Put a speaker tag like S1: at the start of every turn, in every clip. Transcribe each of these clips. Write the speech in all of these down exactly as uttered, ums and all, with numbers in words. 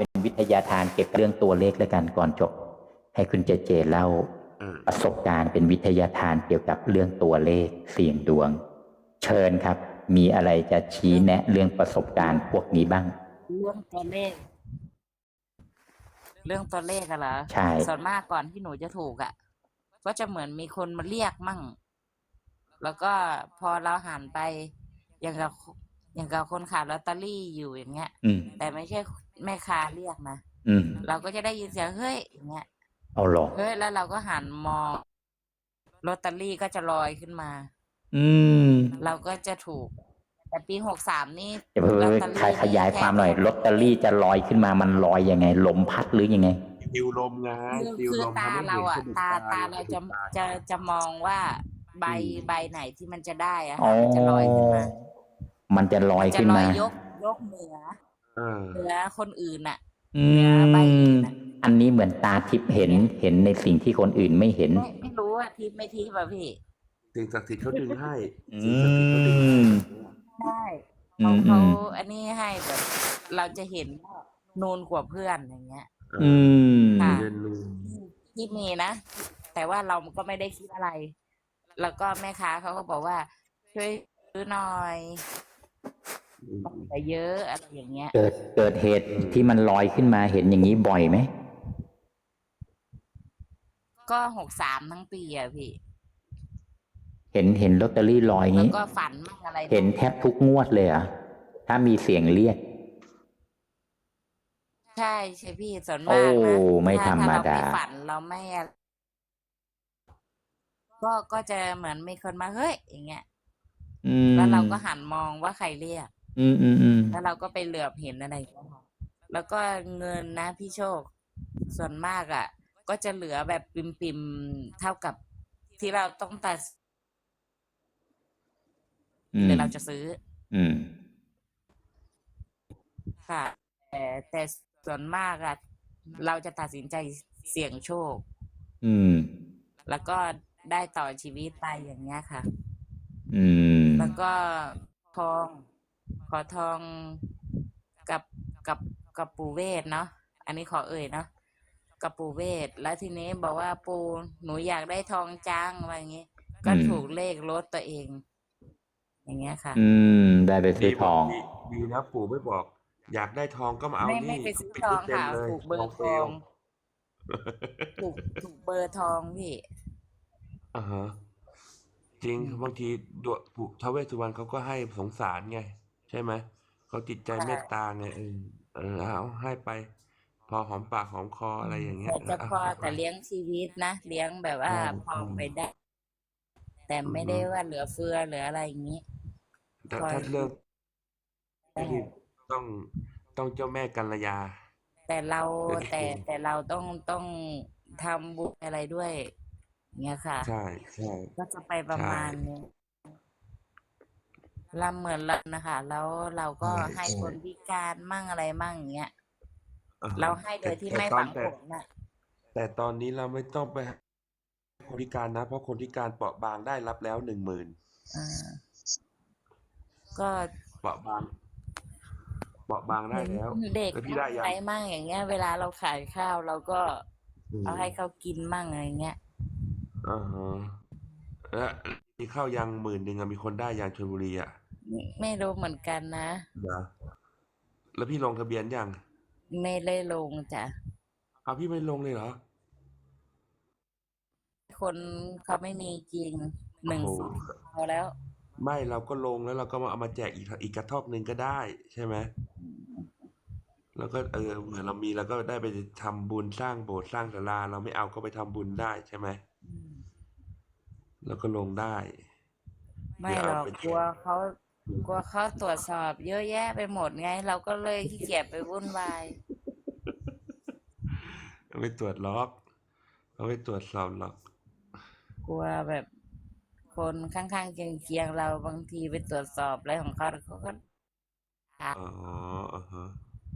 S1: เป็นวิทยาทานเกี่ยวกับเรื่องตัวเลขแล้วกันก่อนจบให้คุณเจเจเล่าประสบการณ์เป็นวิทยาทานเกี่ยวกับเรื่องตัวเลขเสี่ยงดวงเชิญครับมีอะไรจะชี้แนะเรื่องประสบการณ์พวกนี้บ้าง
S2: เรื่องตัวเลขเรื่องตัวเลขอะเหรอ
S1: ใช่
S2: ส่วนมากก่อนที่หนูจะถูกอะก็จะเหมือนมีคนมาเรียกมั่งแล้วก็พอเราหันไปอย่างกับอย่างกับคนขายลอตเตอรี่อยู่อย่างเงี้ยแต่ไม่ใช่แม่ค้าเรียกนะเราก็จะได้ยินเสียงเฮ้ยอย่างเงี้ย
S1: เอาหรอ
S2: เฮ้ยแล้วเราก็หันมองลอตเตอรี่ก็จะลอยขึ้นมา
S1: อืม
S2: เราก็จะถูกแต่ปีหกสามนี่
S1: ลอตเตอรี่ขยายความหน่อยลอตเตอรี่จะลอยขึ้นมามันลอยยังไงลมพัดหรือยังไง
S3: ฟิวลมไง
S2: คือตาเราอ่ะตาตาเราจะจะจะมองว่าใบใบไหนที่มันจะได้อะค่ะมันจะลอยขึ้นมา
S1: มันจะลอยขึ้นมาย
S2: กยกเหนือเหนือคนอื่นอ่ะ
S1: เหนือใบอื่นอันนี้เหมือนตาทิพย์เห็นเห็นในสิ่งที่คนอื่นไม่เห็น
S2: ไม่ไม่รู้ว่าทิพย์ไม่ทิพย์ป่ะพี่
S3: สิ่งศักดิ์สิทธิ์เขาดึงให้
S1: สิ่งศักดิ์สิทธิ์เขาดึงให้
S2: ใช่เขาเขาอันนี้ให้แบบเราจะเห็นนูนกว่าเพื่อนอย่างเงี้ย
S1: อืม
S2: ค่ะที่มีนะแต่ว่าเราก็ไม่ได้คิดอะไรแล้วก็แม่ค้าเขาก็บอกว่าช่วยซื้อหน่อยแต่เยอะอะไรอย่างเงี้ย
S1: เกิดเกิดเหตุที่มันลอยขึ้นมาเห็นอย่างนี้บ่อยไหม
S2: ก็หกสามทั้งปีอะพี่
S1: เห็นเห็นลอตเตอรี่ลอยงี้
S2: แล้วก็ฝันมั่งอะไร
S1: เห็นแทบทุกงวดเลยอ่ะถ้ามีเสียงเรียก
S2: ใช่ใช่พี่ส่วนมากนะ
S1: ไม่ธรรมดา
S2: ฝันเราไม่ก็ก็จะเหมือนมีคนมาเฮ้ยอย่างเงี้ยแล้วเราก็หันมองว่าใครเรียก
S1: อืมอืมอืม
S2: แล้วเราก็ไปเหลือบเห็นอะไรแล้วก็เงินนะพี่โชคส่วนมากอ่ะก็จะเหลือแบบปิมปิมเท่ากับที่เราต้องตัดหรือเราจะซื้อ
S1: อืม
S2: ค่ะแต่แต่ส่วนมากอะเราจะตัดสินใจเสี่ยงโชค
S1: อืม
S2: แล้วก็ได้ต่อชีวิตไปอย่างเงี้ยค่ะ
S1: อืม
S2: แล้วก็ทองขอทองกับกับกับปู่เวทเนาะอันนี้ขอเอ่ยเนาะกับปู่เวทแล้วทีนี้บอกว่าปู่หนูอยากได้ทองจังอะไรอย่างงี้ก็ถูกเลขรถตัวเองอย่างเงี้ยค่ะ
S1: อืมได้ไปซื้อทอง
S3: ดีนะปู่ไม่บอกอยากได้ทองก็มาเอานี่
S2: ไม่ไปซื้อทองค่ะถูกเบอร์ทองถูกถูกเบอร์ทองพี่
S3: อ่าฮะจริงบางทีดวงปู่ท้าวเวสสุวรรณเขาก็ให้สงสารไงใช่ไหมเขาจิตใจเมตตาไงเออเออเอาให้ไปพอหอมปากหอมคออะไรอย่างเงี้ย
S2: จะพอแต่เลี้ยงชีวิตนะเลี้ยงแบบว่าพอไปได้แต่ไม่ได้ว่าเหลือเฟือเหลืออะไรอย่างนี้
S3: แต่ถ้าเรื่องต้องต้องเจ้าแม่กัลยา
S2: แต่เราแต่แต่เราต้องต้องทำบุญอะไรด้วยเงี้ยค่ะ
S3: ใช่ใช่
S2: ก็จะไปประมาณนี้เราเหมือนเรานะคะแล้วเราก็ให้คนพิการมั่งอะไรมั่งอย่างเงี้ยเราให้โดยที่ไม่ฝังผลน่ะ
S3: แต่ตอนนี้เราไม่ต้องไปคนพิการนะเพราะคนพิการเปราะบางได้รับแล้วหนึ่งหมื่น
S2: ก็
S3: เปราะบางเปราะบางได้แล้ว
S2: เด็กอะไรมั่งอย่างเงี้ยเวลาเราขายข้าวเราก็เอาให้เขากินมั่งอะไรเงี้ย
S3: อ่าฮะแล้วมีข้าวยังหมื่นหนึ่งมีคนได้ยังชลบุรีอ่ะ
S2: ไม่รู้เหมือนกันนะ
S3: นะแล้วพี่ลงทะเบียนยัง
S2: ไม่ได้ลงจ้ะ
S3: เอาพี่ไม่ลงเลยเหรอ
S2: คนเขาไม่มีจริงหนึ่งสิบพอแล้ว
S3: ไม่เราก็ลงแล้วเราก็มาเอามาแจกอีกอีกกระทอกหนึ่งก็ได้ใช่ไหมแล้วก็เออเหมือนเรามีเราก็ได้ไปทำบุญสร้างโบสถ์สร้างศาลาเราไม่เอาก็ไปทำบุญได้ใช่ไหมแล้วก็ลงได้
S2: ไม่หรอกกลัวเขากลัวเขาตรวจสอบเยอะแยะไปหมดไงเราก็เลยขี้เกียจไปวุ่นวาย
S3: ไม่ตรวจล็อกเขาไม่ตรวจสอบหรอก
S2: กลัวแบบคนข้างๆเคียงๆเราบางทีไปตรวจสอบอะไรของเขาเขาก็
S3: อ๋ออ่าฮะ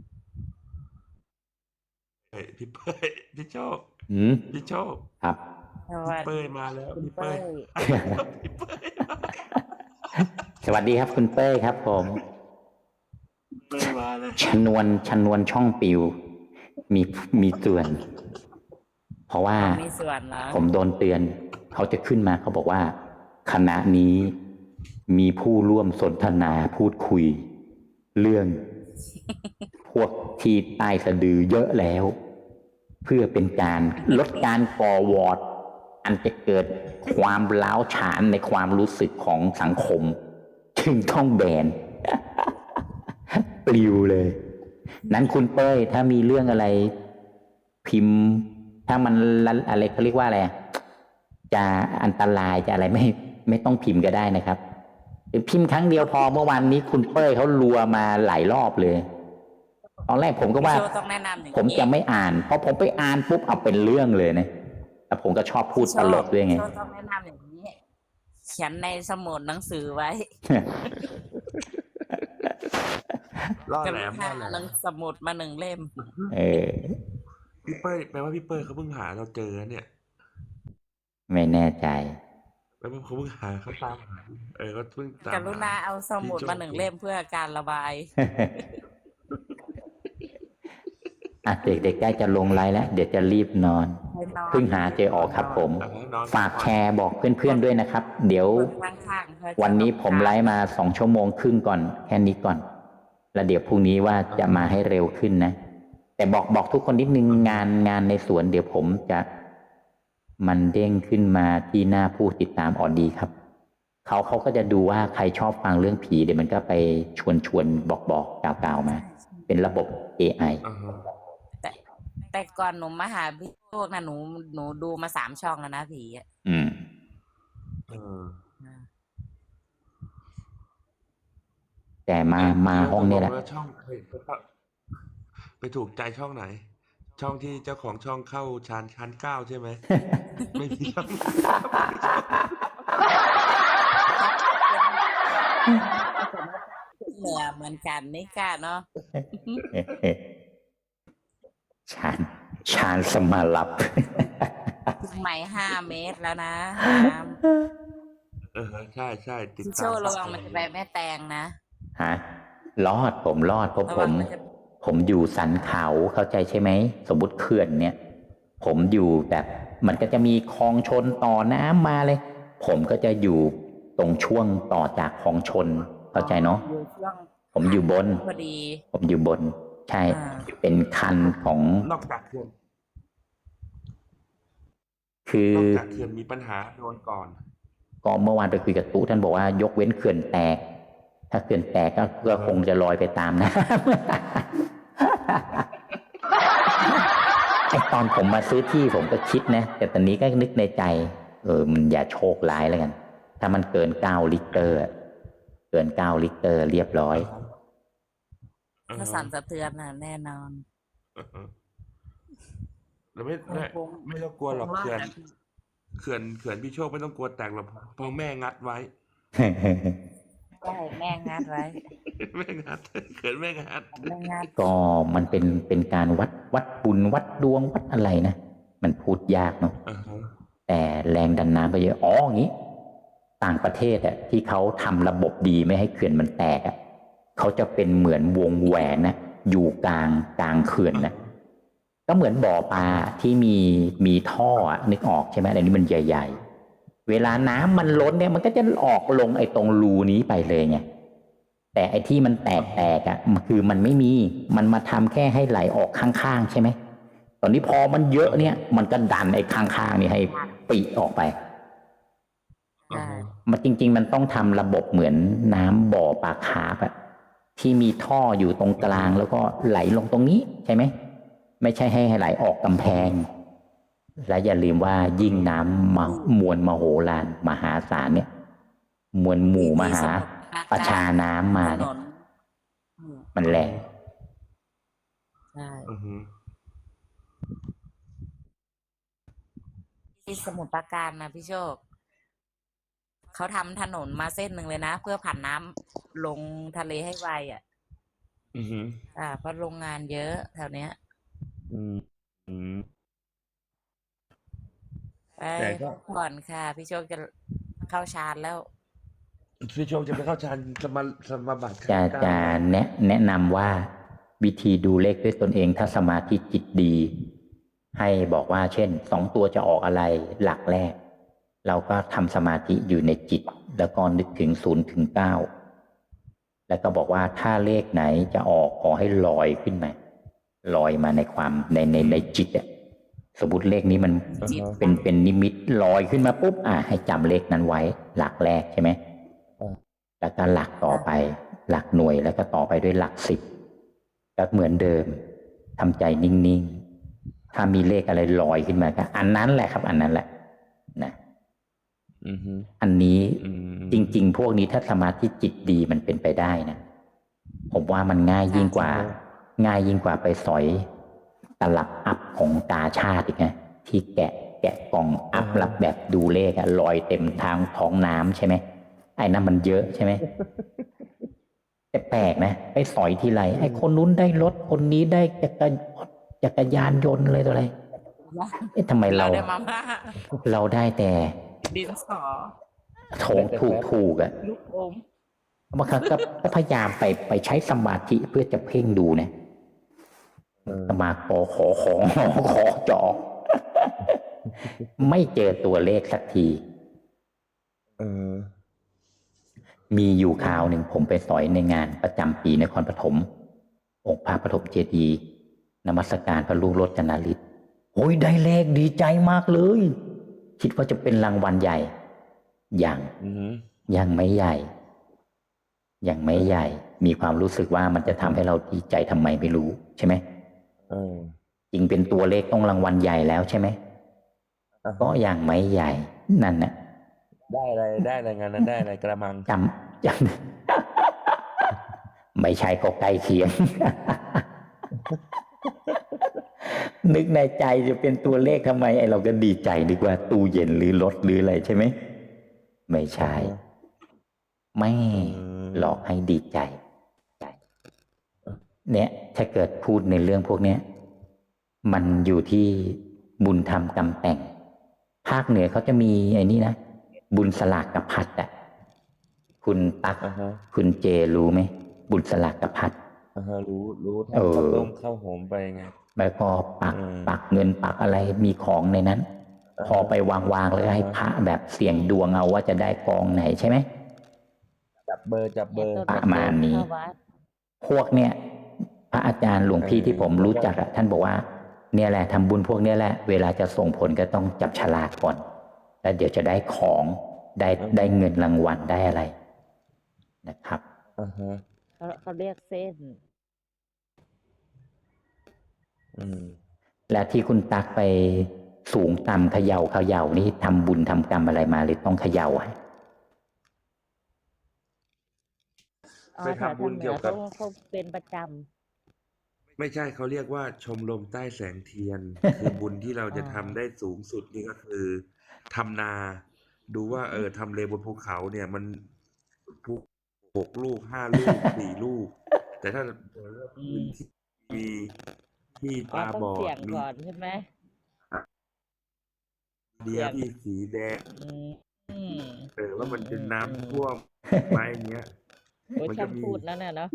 S3: เฮ้ยพี่เป้ยพี่โชคพี่โชค
S1: ครับ
S3: พี่เป้ยมาแล้วพี่เป้ยพี่เป้ย
S1: สวัสดีครับคุณเป้ยครับผม
S3: เป้ยมาแล้ว
S1: ชนวนชนวนช่องปิวมีมีส่วน เพราะว่า
S2: มีส่วนเหรอ
S1: ผมโดนเตือน เขาจะขึ้นมาเขาบอกว่าคณะนี้มีผู้ร่วมสนทนาพูดคุย เรื่อง พวกที่ใต้สะดือเยอะแล้ว เพื่อเป็นการลดการก่อวอร์ดอันจะเกิดความร้าวฉานในความรู้สึกของสังคมจึงต้องแบน ปลิวเลย นั้นคุณเป้ยถ้ามีเรื่องอะไร พิมพ์ ถ้ามันอะไรเขาเรียกว่าอะไรจะอันตรายจะอะไรไม่ไม่ต้องพิมพ์ก็ได้นะครับพิมพ์ครั้งเดียวพอเมื่อวานนี้คุณเป้ยเขารัวมาหลายรอบเลยตอนแรกผมก็ว่า
S2: พี่โชต้องแนะนำอย่างนี้
S1: ผมจะไม่อ่านเพราะผมไปอ่านปุ๊บเอาเป็นเรื่องเลยนะแต่ผมก็ชอบพูดตลกด้วยไง
S2: พี่โชต้องแนะนำอย่างนี้ เขียนในสมุดหนังสือไว้
S3: ล่อ
S2: จะ
S3: แหล
S2: มี
S3: ม
S2: ห
S3: ล่อแหล
S2: หนั
S3: ม
S2: งสมุดมาหนึ่งเล่ม
S1: เออ
S3: พี่เป้ยแปลว่าพี่เป้ยเขาเพิ่งหาเราเจอเนี่ย
S1: ไม่แน่ใจ
S3: แปลว่าเขาเพิ่งหาเขาตามหาเออเขาเพิ่งตาม
S2: กรุณา
S3: หา
S2: เอาสมุดมาหนึ่งเล่มเพื่อการระบาย
S1: อ่ะเด็กๆใกล้จะลงไลน์แล้วเดี๋ยวจะรีบนอน
S2: ให้นอน
S1: เพิ่งหาเจอออกครับผม
S3: อ่ะนอน
S1: ฝากแชร์บอกเพื่อนๆด้วยนะครับ เดี๋ยว
S2: คนข้างๆเขาจะ
S1: วันนี้ผมไลฟ์มาสองชั่วโมงครึ่งก่อนแค่นี้ก่อน แล้วเดี๋ยวพรุ่งนี้ว่าจะมาให้เร็วขึ้นนะ แต่บอกบอกทุกคนนิดนึงงานงานในสวน เดี๋ยวผมจะมันเด้งขึ้นมาที่หน้าผู้ติดตามออดีครับเขาเขาก็จะดูว่าใครชอบฟังเรื่องผีเดี๋ยวมันก็ไปชวนชวนบอกบอกกล่าวกล่าวมา เป็นระบบ เอ ไอ
S3: อ่าฮะ
S2: แต่แต่ก่อนหนูมาหาพี่โชคนะหนูหนูดูมาสามช่องแล้วนะผีอ่ะ
S1: อืม
S3: เออ
S1: แต่มามาห้องนี้แหละ
S3: ตกลว่าช่องไปไปไปถูกใจช่องไหน ช่องที่เจ้าของช่องเข้าชานชั้นเก้าใช่ไหม ไม่มีช่อง
S2: เหนือเหมือนกันนี่กะเนาะ
S1: ชาญชาญสมาลับ
S2: ใหม่ห้าเมตรแล้วนะน้
S3: เออใช่ใช่ติ
S2: ำ
S3: ด
S2: พี่
S3: ตาม
S2: โชคระวังมันจะไปแม่แตงนะ
S1: ฮะรอดผมรอดเพราะ
S2: ระ
S1: ผ
S2: วัง
S1: ม
S2: มันจะ
S1: ผมอยู่สันเขาเข้าใจใช่ไหม สมมติเขื่อนเนี่ย ผมอยู่แบบมันก็จะมีคลองชนต่อน้ำมาเลย ผมก็จะอยู่ตรงช่วงต่อจากคลองชน เข้าใจเนาะ
S2: อยู่ช่วง
S1: ผมอยู่บน
S2: พอดี
S1: ผมอยู่บน ใช่
S2: อ่า
S1: เป็นคันของ
S3: นอกจากเขื่อน
S1: คือน
S3: อกจากเขื่อนมีปัญหาโดนก่อน
S1: ก็เมื่อวานไปคุยกับตู้ท่านบอกว่ายกเว้นเขื่อนแตก ถ้าเขื่อนแตกก็ก็คงจะลอยไปตามน้ำ ไอตอนผมมาซื้อที่ผมก็คิดนะ แต่ตอนนี้ก็นึกในใจ เออ มันอย่าโชคร้ายแล้วกัน ถ้ามันเกินเก้าลิตรอะเกินเก้าลิตรเรียบร้อย
S2: ถ้าสั่นสะเทือนน่ะแน่นอน
S3: เออแล้วไม่ไม่
S2: คง
S3: ไม่ต้องกลัวหรอก
S2: คงรอด
S3: เขื่อน
S2: นะ
S3: เขื่อนเขื่อนพี่โชคไม่ต้องกลัวแตกหรอกเพราะแม่งัดไว้
S2: ใช่แม่งานไว้
S3: แม่งัดเขื่อนแม่งัด
S2: แม่งาน
S1: ก็มันเป็นเป็นการวัดวัดบุญวัดดวงวัดอะไรนะ มันพูดยากเนาะ
S3: อ่าฮะ
S1: แต่แรงดันน้ำก็เยอะ อ๋ออย่างนี้ ต่างประเทศอะที่เขาทำระบบดีไม่ให้เขื่อนมันแตกอะเขาจะเป็นเหมือนวงแหวนนะอยู่กลางกลางเขื่อนนะก็เหมือนบ่อปลาที่มีมีท่ออะนึกออกใช่ไหมอันนี้มันใหญ่ๆ เวลาน้ำมันล้นเนี่ยมันก็จะออกลงไอ้ตรงรูนี้ไปเลยไงแต่ไอ้ที่มันแตกแตกอะมันคือมันไม่มีมันมาทำแค่ให้ไหลออกข้างๆใช่ไหมตอนนี้พอมันเยอะเนี่ย มันก็ดันไอ้ข้างๆนี่ให้ปีออกไป
S3: อ่า
S2: ใช่
S3: ฮะ
S1: มันจริง ๆ มันต้องทำระบบเหมือนน้ำบ่อปลาคาร์ฟอะที่มีท่ออยู่ตรงกลางแล้วก็ไหลลงตรงนี้ใช่ไหมไม่ใช่ให้ไหลออกกำแพง และอย่าลืมว่ายิ่งน้ำมามวลมโหฬารมหาศาลเนี่ย มวลหมู่มหาประชาน้ำมา
S2: ถน
S1: เนี่ย
S2: นอืม
S1: มันแรง
S2: ใช่
S3: อือฮึ
S2: ที่สมุทรปราการนะพี่โชค เขาทำถนนมาเส้นหนึ่งเลยนะ เพื่อผ่านน้ำลงทะเลให้ไวอ่ะ
S3: อือฮึ
S2: อ่า เพราะโรงงานเยอะแถวเนี้ย
S3: อืมอืม
S2: ไป
S3: แต่ก็
S2: พักผ่อนค่ะ พี่โชคจะเข้าชาร์จแล้ว
S3: พี่โชคจะไปเข้าฌานสมาสมาบัติ
S1: จะ
S3: ขั้นเก้า
S1: จะแนะแนะนำว่าวิธีดูเลขด้วยตนเองถ้าสมาธิจิตดี ให้บอกว่าเช่นสองตัวจะออกอะไรหลักแรก เราก็ทำสมาธิอยู่ในจิต แล้วก็นึกถึงศูนย์ถึงเก้าแล้วก็บอกว่าถ้าเลขไหนจะออกขอให้ลอยขึ้นมาลอยมาในความในในในจิตอะสมมติเลขนี้มัน
S2: จิต
S1: เป็นเป็นนิมิตลอยขึ้นมาปุ๊บอ่ะให้จำเลขนั้นไว้หลักแรกใช่ไหม
S4: อ่า
S1: แล้วก็หลักต่อไป หลักหน่วยแล้วก็ต่อไปด้วยหลักสิบก็เหมือนเดิมทำใจนิ่งๆถ้ามีเลขอะไรลอยขึ้นมาก็อันนั้นแหละครับ อันนั้นแหละนะ
S4: อือฮึ
S1: อันนี้
S4: อืม
S1: จริง ๆ พวกนี้ถ้าสมาธิจิตดีมันเป็นไปได้นะผมว่ามันง่ายยิ่งกว่า ง่ายยิ่งกว่าไปสอยตลับอัพของตาชาติอีกนะที่แกะแกะกล่องอัพรับแบบดูเลขอะลอยเต็มทางท้องน้ำใช่ไหมไอ้นั่นมันเยอะใช่ไหม แต่แปลกนะไปสอยทีไรไอ้คนนู้นได้รถคนนี้ได้จักรจักรยานยนต์เลยตัวอะไรเอ๊ะทำไม
S2: เรา
S1: เรา
S2: ได้มาม่า
S1: เราได้แต่
S2: ดินสอ
S1: โถงถูกถูกๆอะ
S2: ลูกอม
S1: บางครั้งก็ก็พยายามไปไปใช้สมาธิเพื่อจะเพ่งดูนะ
S4: เออ
S1: สมาขอขอขอขอจอ ไม่เจอตัวเลขสักที
S4: เออ
S1: มีอยู่คราวหนึ่งผมไปสอยในงานประจำปีนครปฐมองค์พระปฐมเจดีย์นมัสการพระลูกโรจนาฤทธิ์โอ้ยได้เลขดีใจมากเลย คิดว่าจะเป็นรางวัลใหญ่ยัง
S4: อือฮึ
S1: ยังไม่ใหญ่ ยังไม่ใหญ่ มีความรู้สึกว่ามันจะทำให้เราดีใจทำไมไม่รู้ใช่ไหม
S4: เออ
S1: จริงเป็นตัวเลขต้องรางวัลใหญ่แล้วใช่ไหม
S4: อ่า
S1: ก็ยังไม่ใหญ่นั่นนะ
S4: ได้อะไรได้อะไรงานนั้นได้อะไรกระมัง
S1: จำจำ ไม่ใช่ก็ใกล้เคียง นึกในใจจะเป็นตัวเลขทำไมไอเราก็ดีใจดีกว่าตู้เย็นหรือรถหรืออะไรใช่ไหมไม่ใช่ ไม่
S4: อืม
S1: หลอกให้ดีใจ เนี่ยถ้าเกิดพูดในเรื่องพวกเนี้ย มันอยู่ที่บุญธรรมกรรมแต่ง ภาคเหนือเขาจะมีไอ้นี่นะบุญสลากกับพัดอ่ะคุณตัก
S4: อ่าฮะ
S1: คุณเจรู้ไหมบุญสลากกับพัด
S4: อ่าฮะรู้รู้
S1: เออ
S4: ทำข้าวต้มข้าวหอมไปไง
S1: แล้วก็ปัก
S4: อืม
S1: ปักเงินปักอะไรมีของในนั้น
S4: อ่าฮะ
S1: พอไปวางวางๆแล้วให้
S4: อ่าฮะ
S1: พระแบบเสี่ยงดวงเอาว่าจะได้กองไหนใช่ไหม
S4: จับเบอร์จับเบอร์
S1: ประมาณนี้
S2: เข้าวัด
S1: พวกเนี้ยพระอาจารย์หลวงพี่
S4: เออ
S1: ที่ผมรู้จักอะท่านบอกว่า เนี่ยแหละทำบุญพวกเนี้ยแหละ เวลาจะส่งผลก็ต้องจับฉลากก่อน แล้วเดี๋ยวจะได้ของได้ได้เงินรางวัลได้อะไรนะครับ
S4: อ่าฮะ
S2: เขาเขาเรียกเส้น
S4: อืม
S1: และที่คุณตักไปสูงต่ำเขย่าเขย่านี่ทำบุญทำกรรมอะไรมาหรือต้องเขย่าอะ
S2: อ๋อ
S3: ไป
S2: แถว
S3: ทำบุญ
S2: ทางเหนื
S3: เกี่ย
S2: อ
S3: วกับ
S2: เขาเขาเป็นประจ
S3: ไม่ใช่เขาเรียกว่าชมรมใต้แสงเทียน คือบุญที่เราจะ
S2: อ๋อ
S3: ทำได้สูงสุดนี่ก็คือทำนา ดูว่าเออทำเลบนภูเขาเนี่ยมันภูหกลูกห้าลูก สี่ลูก แต่ถ้าพื้นที่มีที่
S2: ำอ๋อ
S3: ตา
S2: ต้อบ ง
S3: อ
S2: เสี่ย
S3: ด
S2: ง
S3: มี
S2: ก่อนใช่ไหม
S3: เดียวที่สีแดง
S2: อืมอืม
S3: เออว่ามันจะน้ำ
S2: อืม
S3: ท่วมไหมเงี้ย
S2: โอ้ย
S3: มันจะ
S2: ช่าง
S3: มี
S2: พูดนั่นน่ะเนาะ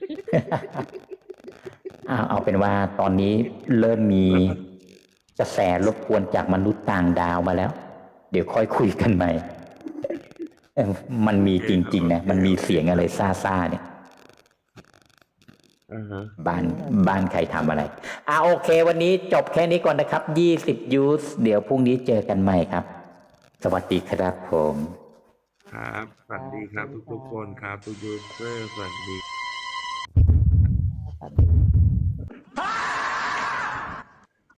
S1: เอาเอาเป็นว่าตอนนี้เริ่มมีกระแสรบกวนจากมนุษย์ต่างดาวมาแล้ว เดี๋ยวค่อยคุยกันใหม่เออมันมีจริงๆนะมันมีเสียงอะไรซ่าๆเนี่ย
S3: อ่าฮะ
S1: บ้านบ้านใครทำอะไรอ่าโอเค วันนี้จบแค่นี้ก่อนนะครับยี่สิบยูสเดี๋ยวพรุ่งนี้เจอกันใหม่ครับ สวัสดีครับผม
S3: ครับสวัสดีครับทุกๆคนครับทุกยูเซอร์สวัสดี